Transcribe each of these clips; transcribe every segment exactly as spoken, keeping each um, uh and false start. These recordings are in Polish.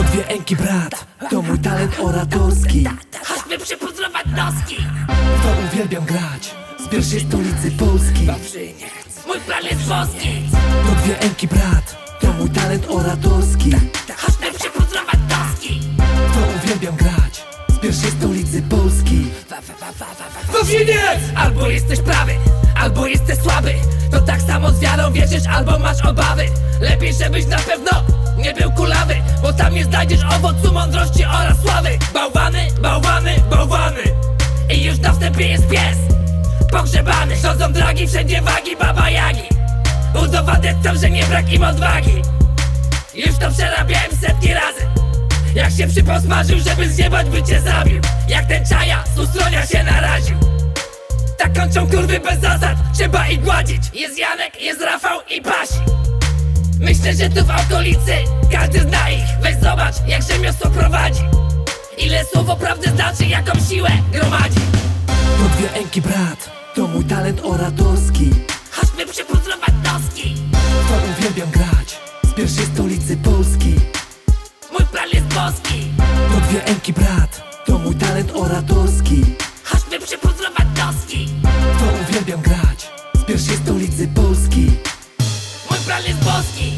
dwie Enki brat, to mój talent oratorski. Chodźmy przypudrować noski. W to uwielbiam grać, z pierwszej stolicy Polski. Mój plan jest boski. To dwie Enki brat, to mój talent oratorski. Chodźmy przypudrować noski. W to uwielbiam grać, z pierwszej stolicy Polski. Gówniec! Albo jesteś prawy, albo jesteś słaby. To tak samo z wiarą wierzysz, albo masz obawy. Lepiej, żebyś na pewno nie był kulawy, bo tam nie znajdziesz owocu mądrości oraz sławy. Bałwany, bałwany, bałwany. I już na wstępie jest pies pogrzebany. Rządzą dragi, wszędzie wagi, baba jagi. Udowadniam, że nie brak im odwagi. Już to przerabiałem setki razy. Jak się przypał smażył, żeby zjebać, by cię zabił. Jak ten czaja, z ustronia się naraził. Tak kończą kurwy bez zasad, trzeba ich gładzić. Jest Janek, jest Rafał i Pasi. Myślę, że tu w okolicy każdy zna ich. Weź zobacz, jak rzemiosło prowadzi. Ile słowo prawdy znaczy, jaką siłę gromadzi. To dwie Enki brat, to mój talent oratorski. Chodźmy przypudrować noski. W to uwielbiam grać, z pierwszej stolicy Polski. Mój plan jest boski. To dwie Enki brat, to mój talent oratorski. Chodźmy przypudrować noski. W to uwielbiam grać, z pierwszej stolicy Polski. Mój plan jest boski.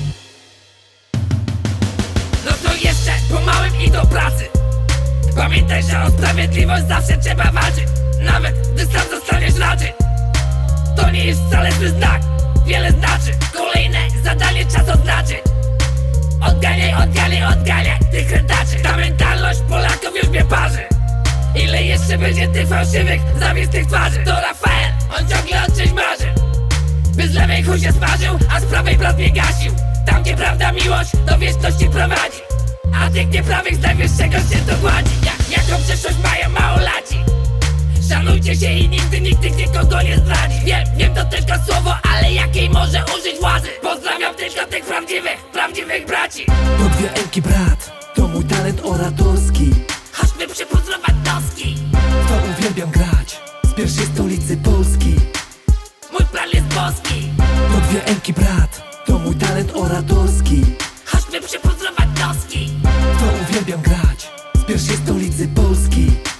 No to jeszcze po małym i do pracy. Pamiętaj, że o sprawiedliwość zawsze trzeba walczyć. Nawet gdy sam zostaniesz raczy. To nie jest wcale zły znak, wiele znaczy. Kolejne zadanie czas odznaczyć. Odganiaj, odganiaj, odganiaj tych krętaczy. Ta mentalność Polaków już mnie parzy. Ile jeszcze będzie tych fałszywych, zawistych twarzy? To Rafael, on ciągle o czymś marzy. By z lewej chuj się smażył, a z prawej brat mnie gasił. Tam gdzie prawda miłość do wieczności prowadzi, a tych nieprawych z najwyższego się dogładzi. Jak, jaką przeszłość mają małolaci? Szanujcie się i nigdy nikt tych nikogo nie zdradzi. Wiem, wiem to tylko słowo, ale jakiej może użyć władzy? Pozdrawiam tylko tych prawdziwych, prawdziwych braci. To dwie Enki brat, to mój talent oratorski. Chodźmy przypudrować noski. W to uwielbiam grać, z pierwszej stolicy Polski. Mój plan jest boski. To dwie Enki brat, to mój talent oratorski. Chodźmy przypudrować noski. W to uwielbiam grać, z pierwszej stolicy Polski.